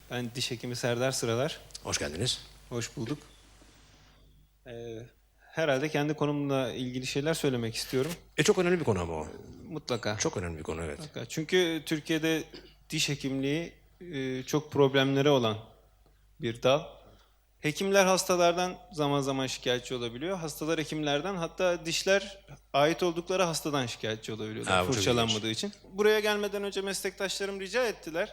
Ben diş hekimi Serdar Sıralar. Hoş geldiniz. Hoş bulduk. Herhalde kendi konumla ilgili şeyler söylemek istiyorum. Çok önemli bir konu ama o. Mutlaka. Çok önemli bir konu, evet. Mutlaka. Çünkü Türkiye'de diş hekimliği çok problemleri olan bir dal. Hekimler hastalardan zaman zaman şikayetçi olabiliyor. Hastalar hekimlerden, hatta dişler ait oldukları hastadan şikayetçi olabiliyorlar fırçalanmadığı için. Buraya gelmeden önce meslektaşlarım rica ettiler.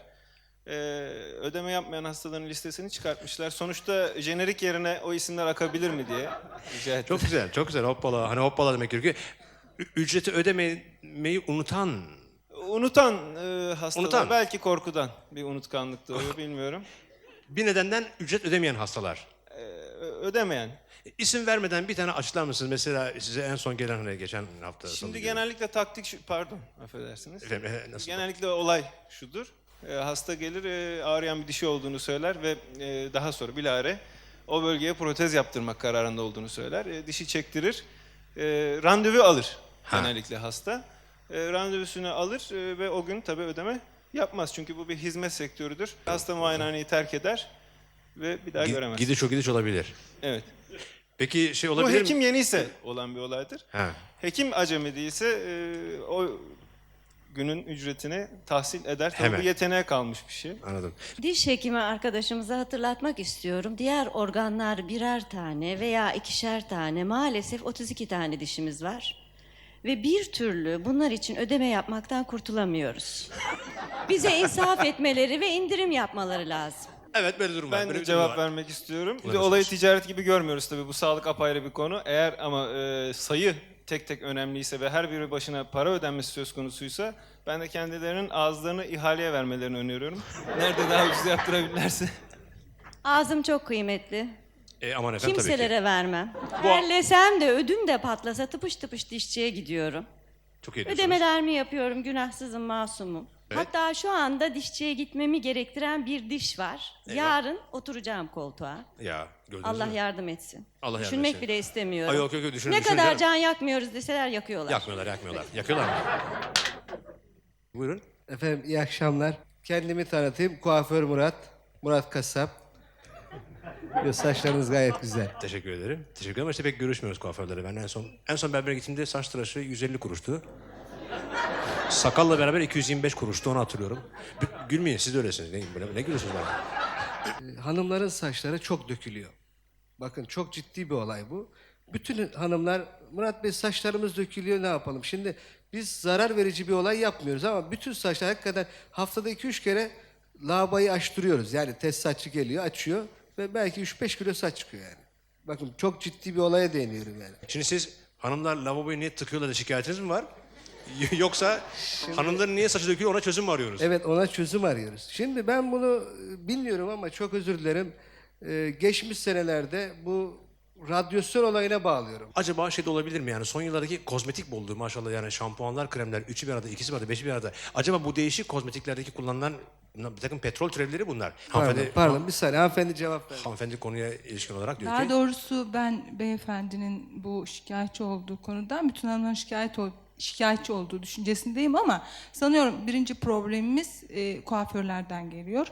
Ödeme yapmayan hastaların listesini çıkartmışlar. Sonuçta jenerik yerine o isimler akabilir mi diye rica ettiler. Çok güzel, çok güzel. Hoppala. Hani hoppala demek gerekiyor. Ücreti ödemeyi unutan... Unutan hastalar, Unutan. belki korkudan bir unutkanlık doğuyor, bilmiyorum. Bir nedenden ücret ödemeyen hastalar. Ödemeyen. İsim vermeden bir tane açıklar mısınız? Mesela size en son gelen hani geçen hafta... Şimdi genellikle taktik şu, pardon affedersiniz. Efendim, nasıl? Genellikle olay şudur. Hasta gelir, ağrıyan bir dişi olduğunu söyler ve daha sonra bilahare o bölgeye protez yaptırmak kararında olduğunu söyler. Dişi çektirir, randevu alır genellikle hasta. Randevusunu alır ve o gün tabii ödeme yapmaz. Çünkü bu bir hizmet sektörüdür. Hasta muayenehaneyi terk eder ve bir daha göremez. Gidiş olabilir. Evet. Peki şey Bu olabilir mi? hekim yeniyse olan bir olaydır. Ha. Hekim acemi değilse o günün ücretini tahsil eder. Tabii Hemen. bu yeteneğe kalmış bir şey. Anladım. Diş hekimi arkadaşımıza hatırlatmak istiyorum. Diğer organlar birer tane veya ikişer tane, maalesef 32 tane dişimiz var. Ve bir türlü bunlar için ödeme yapmaktan kurtulamıyoruz. Bize insaf etmeleri ve indirim yapmaları lazım. Evet, böyle durum var. Ben Böyle de bir durum cevap var. vermek istiyorum. Bir de Buyurun. olayı ticaret gibi görmüyoruz tabii. Bu sağlık apayrı bir konu. Eğer ama sayı tek tek önemliyse ve her biri başına para ödenmesi söz konusuysa ben de kendilerinin ağızlarını ihaleye vermelerini öneriyorum. Nerede daha ucuz yaptırabilirlerse. Ağzım çok kıymetli. Aman efendim, tabii ki. Kimselere vermem. Terlesem de ödüm de patlasa tıpış tıpış dişçiye gidiyorum. Çok iyi diyorsunuz. Ödemelerimi yapıyorum, günahsızım, masumum. Evet. Hatta şu anda dişçiye gitmemi gerektiren bir diş var. Eyvah. Yarın oturacağım koltuğa. Ya, gördünüz Allah mü? yardım etsin. Allah yardım Düşünmek etsin. bile istemiyorum. Ay, yok, düşünün, Ne düşünün kadar canım. can yakmıyoruz deseler yakıyorlar. Yakmıyorlar. Yakıyorlar mı? Buyurun. Efendim iyi akşamlar. Kendimi tanıtayım. Kuaför Murat. Murat Kasap. Saçlarınız gayet güzel. Teşekkür ederim. Teşekkür ederim ama işte pek görüşmüyoruz kuaförlere. Ben en son berbere gittiğimde saç tıraşı 150 kuruştu. Sakalla beraber 225 kuruştu, onu hatırlıyorum. Gülmeyin, siz de öylesiniz. Ne gülüyorsunuz bana? Hanımların saçları çok dökülüyor. Bakın çok ciddi bir olay bu. Bütün hanımlar, Murat Bey saçlarımız dökülüyor, ne yapalım? Şimdi biz zarar verici bir olay yapmıyoruz ama bütün saçlar hakikaten haftada 2-3 kere lavabayı açtırıyoruz. Yani test saççı geliyor, açıyor ve belki 3-5 kilo saç çıkıyor yani. Bakın çok ciddi bir olaya değiniyorum yani. Şimdi siz hanımlar lavaboyu niye tıkıyorlar da şikayetiniz mi var? Yoksa hanımların niye saçı döküyor, ona çözüm mü arıyoruz? Evet, ona çözüm arıyoruz. Şimdi ben bunu bilmiyorum ama çok özür dilerim. Geçmiş senelerde bu radyasyon olayına bağlıyorum. Acaba şey de olabilir mi yani, son yıllardaki kozmetik bolluğu maşallah, yani şampuanlar, kremler, üçü bir arada, ikisi bir arada, beşi bir arada. Acaba bu değişik kozmetiklerdeki kullanılan bir takım petrol türevleri bunlar. Pardon bir saniye, hanımefendi cevap ver. Hanımefendi konuya ilişkin olarak diyor Daha ki... doğrusu ben beyefendinin bu şikayetçi olduğu konudan bütün hanımların şikayetçi olduğu düşüncesindeyim ama sanıyorum birinci problemimiz kuaförlerden geliyor.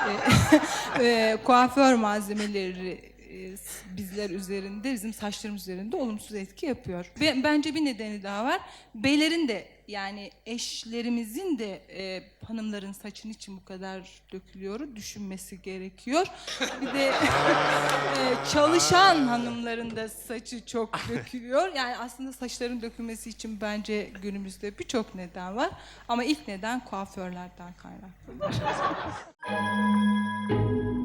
Kuaför malzemeleri bizler üzerinde, bizim saçlarımız üzerinde olumsuz etki yapıyor. Ve bence bir nedeni daha var. Beylerin de, yani eşlerimizin de hanımların saçın için bu kadar dökülüyor düşünmesi gerekiyor. Bir de çalışan hanımların da saçı çok dökülüyor. Yani aslında saçların dökülmesi için bence günümüzde birçok neden var. Ama ilk neden kuaförlerden kaynaklanıyor.